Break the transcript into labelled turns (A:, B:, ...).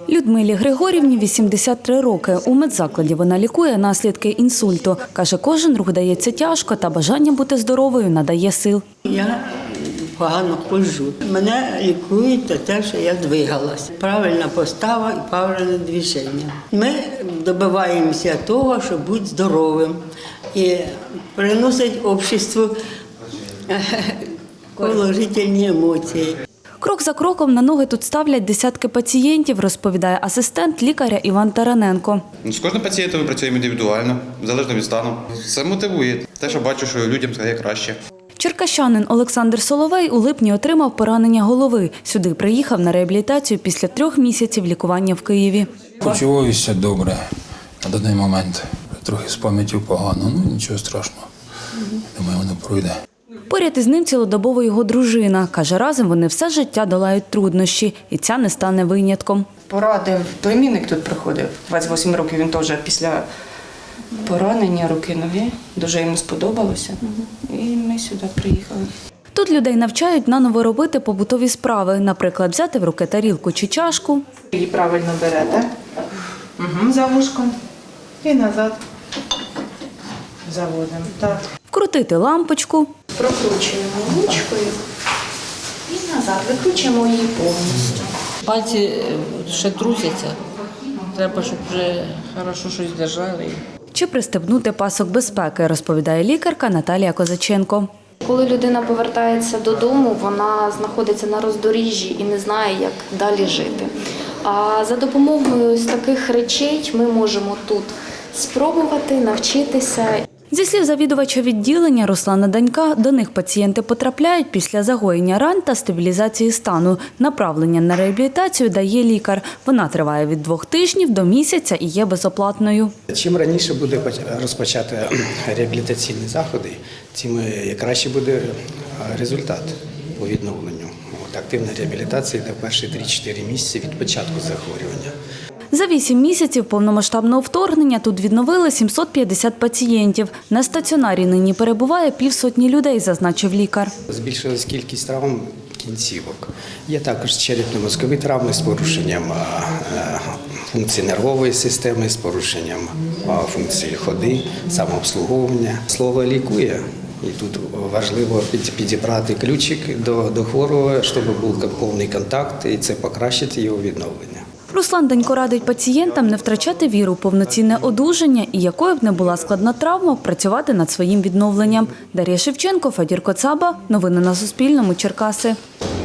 A: Людмилі Григорівні 83 роки. У медзакладі вона лікує наслідки інсульту. Каже, кожен рух дається тяжко, та бажання бути здоровою надає сил.
B: Я погано ходжу. Мене лікують за те, що я двигалась. Правильна постава і правильне движення. Ми добиваємося того, щоб бути здоровим і приносить обществу положительні емоції.
A: Крок за кроком на ноги тут ставлять десятки пацієнтів, розповідає асистент лікаря Іван Тараненко.
C: З кожним пацієнтом ми працюємо індивідуально, залежно від стану. Це мотивує. Те, що бачу, що людям стає краще.
A: Черкащанин Олександр Соловей у липні отримав поранення голови. Сюди приїхав на реабілітацію після 3 місяців лікування в Києві.
D: Почуваюся добре на даний момент. Трохи з пам'яттю погано, нічого страшного. Думаю, воно пройде.
A: Поряд із ним цілодобово його дружина. Каже, разом вони все життя долають труднощі, і ця не стане винятком.
E: Порадив, племінник тут приходив, 28 років, він теж після поранення руки-ноги, дуже йому сподобалося, і ми сюди приїхали.
A: Тут людей навчають наново робити побутові справи, наприклад, взяти в руки тарілку чи чашку.
E: Її правильно берете, за вушком і назад заводимо. Так.
A: Вкрутити лампочку.
E: Прокручуємо ручкою і назад, викручуємо її повністю.
F: Пальці ще трусяться. Треба, щоб вже хорошо щось держали.
A: Чи пристебнути пасок безпеки, розповідає лікарка Наталія Козаченко.
G: Коли людина повертається додому, вона знаходиться на роздоріжжі і не знає, як далі жити. А за допомогою ось таких речей ми можемо тут спробувати навчитися.
A: Зі слів завідувача відділення Руслана Данька, до них пацієнти потрапляють після загоєння ран та стабілізації стану. Направлення на реабілітацію дає лікар. Вона триває від 2 тижнів до місяця і є безоплатною.
H: Чим раніше буде розпочати реабілітаційні заходи, тим краще буде результат по відновленню. Активна реабілітація йде перші 3-4 місяці від початку захворювання.
A: За 8 місяців повномасштабного вторгнення тут відновили 750 пацієнтів. На стаціонарі нині перебуває 50 людей, зазначив лікар.
H: Збільшилась кількість травм кінцівок. Є також черепно-мозкові травми з порушенням функції нервової системи, з порушенням функції ходи, самообслуговування. Слово лікує. І тут важливо підібрати ключик до хворого, щоб був повний контакт, і це покращить його відновлення.
A: Руслан Данько радить пацієнтам не втрачати віру в повноцінне одужання і, якою б не була складна травма, працювати над своїм відновленням. Дар'я Шевченко, Федір Коцаба. Новини на Суспільному. Черкаси.